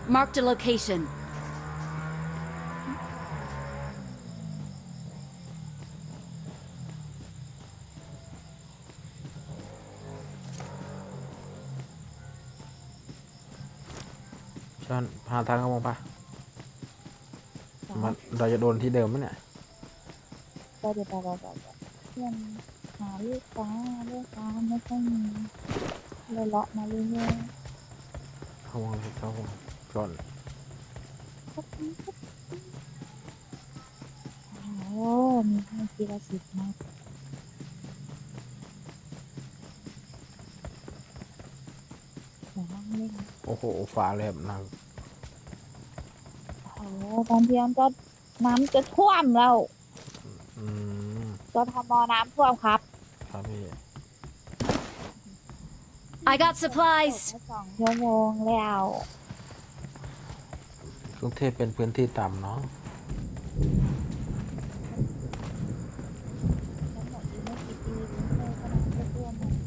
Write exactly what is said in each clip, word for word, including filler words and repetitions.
Marked a location. ชอนหาทางเข้ามองปะมันเราจะโดนที่เดิมไหมเนี่ยก็เดี๋ยวไปไปไปเพื่อนหาลูกค้าลูกค้าไม่ค่อยมีเลยเลาะมาเรื่อยเข้ามองเลยเข้ามองก่อนๆโอ้มีให้ทีละสิบนะเดี๋ยวนั่งเล่นโอ้โหฟ้าเลยแบบหนักโอ้โหตอนเที่ยงก็น้ำจะท่วมแล้วอืมกทมน้ำท่วมครับครับพี่ I got ต supplies. กมาสองชั่วโมงแล้วกรุงเทพเป็นพื้นที่ต่ำเนาะทั้งหมดอีกไม่กี่ปีกรุงเทพก็น้ำจะท่วมหมด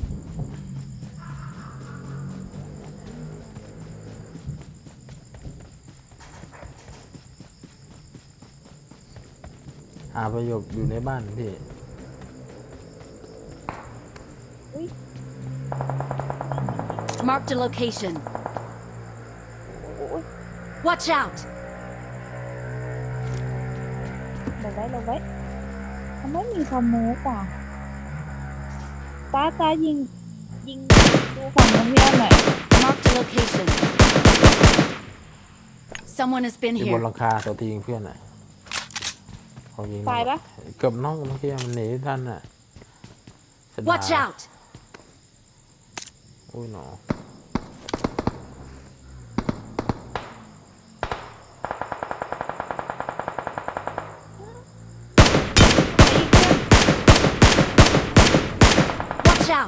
หาประโยชน์อยู่ในบ้านพี่ Marked a location. โอ้ย Watch out. ลงไว้ลงไว้เขาไม่มีคอมมูฟอ่ะตาตายิงยิงดูฝั่งน้องเมียหน่อย Marked a location. Someone has been อยู่บน here. หลังคาตัวทียิงเพื่อนอ่ะเขายิงตายปะเกือบน้องเมื่อกี้มันหนีท่านอ่ะเสียดาย Watch out. อุ้ยหนอ Watch out.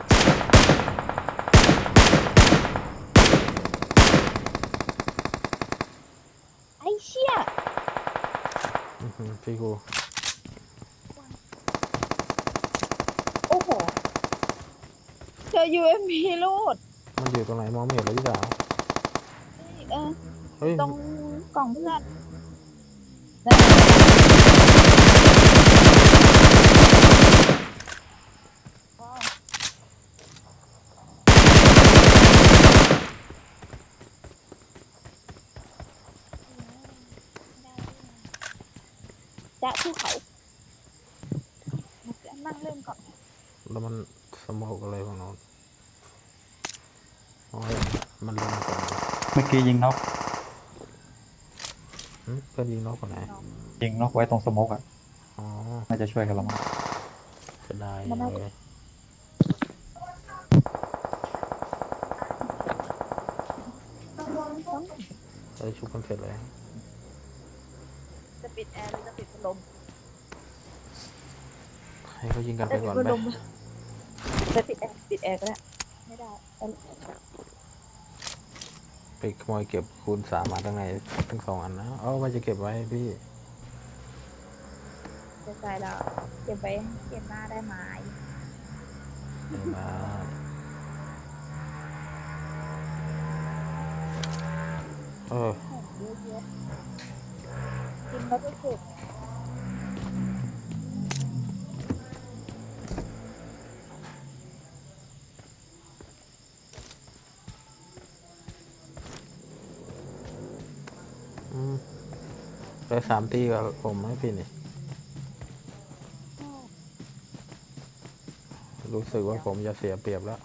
ไอ้เชี่ยอื้อหือพี่กูโอ้โหเจอ ยู เอ็ม พี รูดมันอยู่ตรงไหนมองไม่เห็นเลยพี่สาวเออเฮ้ยตรงกล่องเพื่อนจะภูเขานั่งเล่นก่อนแล้วมันสมองอะไรของน้องโอ้ยมันลงมาก่อนเมื่อกี้ยิงนกหึเพื่อนยิงนกคนไหนยิงนกไว้ตรงสโมกอ่ะอ๋อน่าจะช่วยกันละมั้งเสียดายมันน่าเลย เอ้ยชุบกันเสร็จเลยจะปิดแอร์หรือจะปิดพัดลมให้เขายิงกันไปจะปิก่ดอนพัดไปลมจะปิดแอร์ปิดแอร์ก็ได้ไม่ได้ไปขโมยเก็บคูณสามมาทั้งในทั้งสองอันนะเอาว่าจะเก็บไว้พี่จะใส่แล้วเก็บไว้เก็บหน้าได้ไหมเดี๋ยวนะเออเยอะๆกินแล้วก็เก็บอืมไปสามตีกับผมให้พี่นี่รู้สึกว่าผมจะเสียเปรียบแล้ว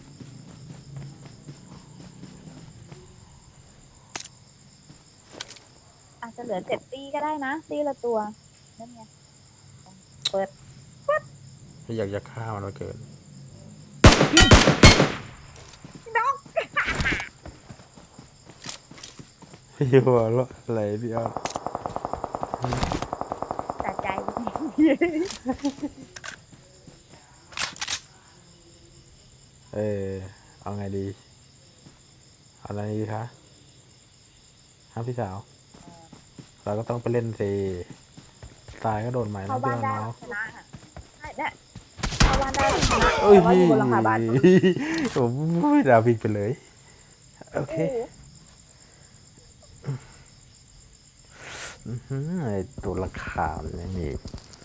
อาจจะเหลือเจ็ดตีก็ได้นะตีละตัวนั่นไงเปิดไม่อยากจะฆ่ามันเหลือเกินน้องพี่หัวเราะอะไรพี่อ้อสะใจเออเอาไงดีเอาอะไรดีคะฮะพี่สาว เราก็ต้องไปเล่นสิตายก็โดนใหม่เข้านะบ้าพี่นได้น้องชนะค่ะใช่เนี่ยเข้าบ้านได้ชนะเอ้ยแต่ว่าอยู่บนหลังคาบ้านผมไม่ดาวิกไปเลย โอเคโอ้โหอื้อหือไอ้ตัวราคาญไม่มี